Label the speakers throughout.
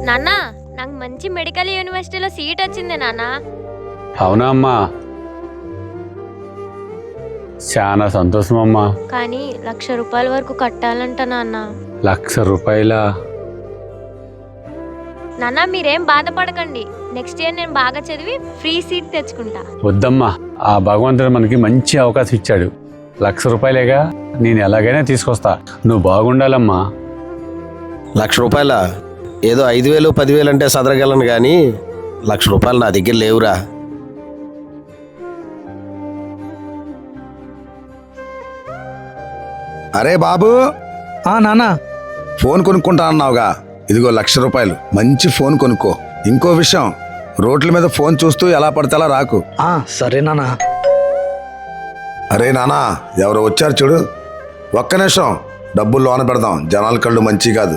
Speaker 1: నాన్న నాకు మంచి మెడికల్ యూనివర్సిటీలో సీట్ వచ్చింది నాన్న.
Speaker 2: అవునా అమ్మా, చాలా సంతోషం అమ్మా.
Speaker 1: కానీ ₹1,00,000 వరకు కట్టాలంట నాన్న.
Speaker 2: ₹1,00,000?
Speaker 1: నాన్న మీరేం బాధపడకండి, నెక్స్ట్ ఇయర్ నేను బాగా చదివి ఫ్రీ సీట్ తెచ్చుకుంటా.
Speaker 2: వద్దమ్మా, ఆ భగవంతుడు మనకి మంచి అవకాశం ఇచ్చాడు. ₹1,00,000 నేను ఎలాగైనా తీసుకొస్తా. నువ్వు బాగుండాలమ్మా.
Speaker 3: ₹1,00,000 ఏదో 5,000 10,000 అంటే సదరగలను కానీ ₹1,00,000 నా దగ్గర లేవురా.
Speaker 4: అరే బాబు,
Speaker 5: నానా
Speaker 4: ఫోన్ కొనుక్కుంటా అన్నావుగా, ఇదిగో ₹1,00,000. మంచి ఫోన్ కొనుక్కో. ఇంకో విషయం, రోడ్ల మీద ఫోన్ చూస్తూ ఎలా పడితే అలా రాకు.
Speaker 5: సరే నానా.
Speaker 4: అరే నానా, ఎవరో వచ్చారు చూడు. ఒక్క నిమిషం, డబ్బులు లోన పెడదాం, జనాల కళ్ళు మంచి కాదు.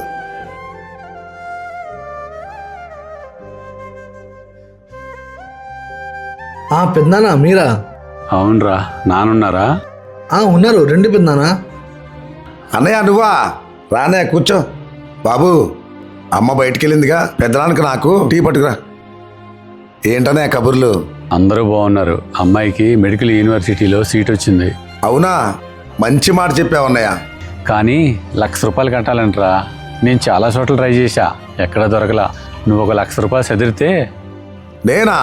Speaker 5: పెద్దనానా మీరా?
Speaker 2: అవునరా, నానున్నారా?
Speaker 5: ఉన్నారు, రెండు పెద్దనానా.
Speaker 4: అన్నయ్య నువ్వా? రానే కూర్చో. బాబు, అమ్మ బయటికెళ్ళిందిగా, పెద్దనానికి నాకు టీ పట్టుకురా. ఏంటనే కబుర్లు?
Speaker 2: అందరూ బాగున్నారు. అమ్మాయికి మెడికల్ యూనివర్సిటీలో సీట్ వచ్చింది.
Speaker 4: అవునా? మంచి మాట చెప్పావన్నయ్య.
Speaker 2: కానీ ₹1,00,000 కట్టాలంటరా. నేను చాలా చోట్ల ట్రై చేశా, ఎక్కడా దొరకలా. నువ్వు ఒక ₹1,00,000 చదివితే.
Speaker 4: నేనా?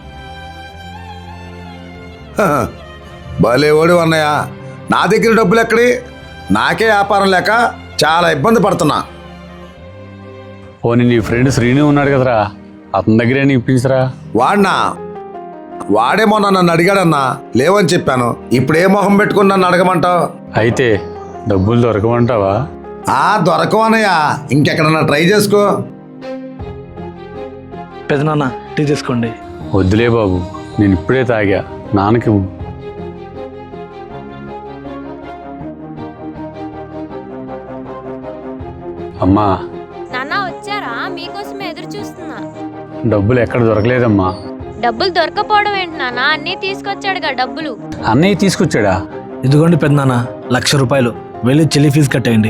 Speaker 4: భలేవాడు అన్నయ్య. నా దగ్గర డబ్బులు ఎక్కడి? నాకే వ్యాపారం లేక చాలా ఇబ్బంది పడుతున్నా.
Speaker 2: పోనీ నీ ఫ్రెండ్ శ్రీను ఉన్నాడు కదరా, అతని దగ్గరే ఇప్పించరా.
Speaker 4: వాడినా? వాడేమో నన్ను అడిగాడన్నా, లేవని చెప్పాను. ఇప్పుడే మొహం పెట్టుకుని నన్ను అడగమంటావు?
Speaker 2: అయితే డబ్బులు దొరకమంటావా?
Speaker 4: దొరకవన్నయ్య, ఇంకెక్కడన్నా ట్రై చేసుకో.
Speaker 5: పెద్దనాన్న టీ తీసుకోండి.
Speaker 2: వద్దులే బాబు, నేను ఇప్పుడే తాగా. నాన్నకి అమ్మా.
Speaker 1: నాన్న వచ్చారా? మీకోసమే ఎదురు చూస్తున్నా.
Speaker 2: డబ్బులు ఎక్కడ దొరకలేదమ్మా.
Speaker 1: డబ్బులు దొరకపోవడం ఏంటి నాన్న, అన్నీ తీసుకొచ్చాడుగా డబ్బులు.
Speaker 2: అన్నయ్య తీసుకొచ్చాడా?
Speaker 5: ఇదిగోండి పెద్దనాన్న, ₹1,00,000. వెళ్ళి చెల్లి ఫీజు కట్టేయండి.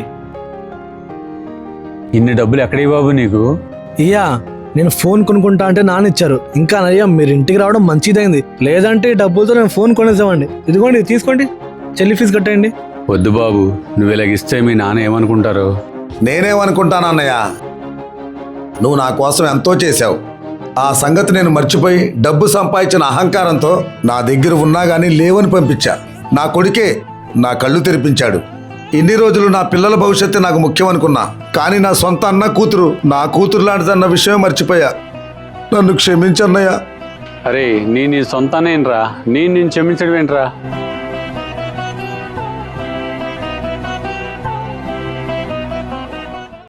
Speaker 2: ఇన్ని డబ్బులు ఎక్కడి బాబు నీకు?
Speaker 5: నేను ఫోన్ కొనుక్కుంటా అంటే నాన్న ఇచ్చారు. ఇంకా అయ్యా మీరు ఇంటికి రావడం మంచిదైంది, లేదంటే ఈ డబ్బులతో నేను ఫోన్ కొనేసామండి. ఇదిగోండి తీసుకోండి, చెల్లి ఫీజు కట్టేయండి.
Speaker 2: వద్దు బాబు, నువ్వు ఇలాగిస్తే మీ నాన్న ఏమనుకుంటారు?
Speaker 4: నేనేమనుకుంటానన్నయ్య, నువ్వు నా కోసం ఎంతో చేశావు. ఆ సంగతి నేను మర్చిపోయి డబ్బు సంపాదించిన అహంకారంతో నా దగ్గర ఉన్నా గానీ లేవని పంపించా. నా కొడుకే నా కళ్ళు తెరిపించాడు. ఇన్ని రోజులు నా పిల్లల భవిష్యత్తు నాకు ముఖ్యం అనుకున్నా, కానీ నా సొంత అన్న కూతురు నా కూతురు లాంటిదన్న విషయం మర్చిపోయా. నన్ను క్షమించన్నయ్యా.
Speaker 2: అరే, నీ సొంతానేనరా, నేను క్షమించడం ఏంట్రా?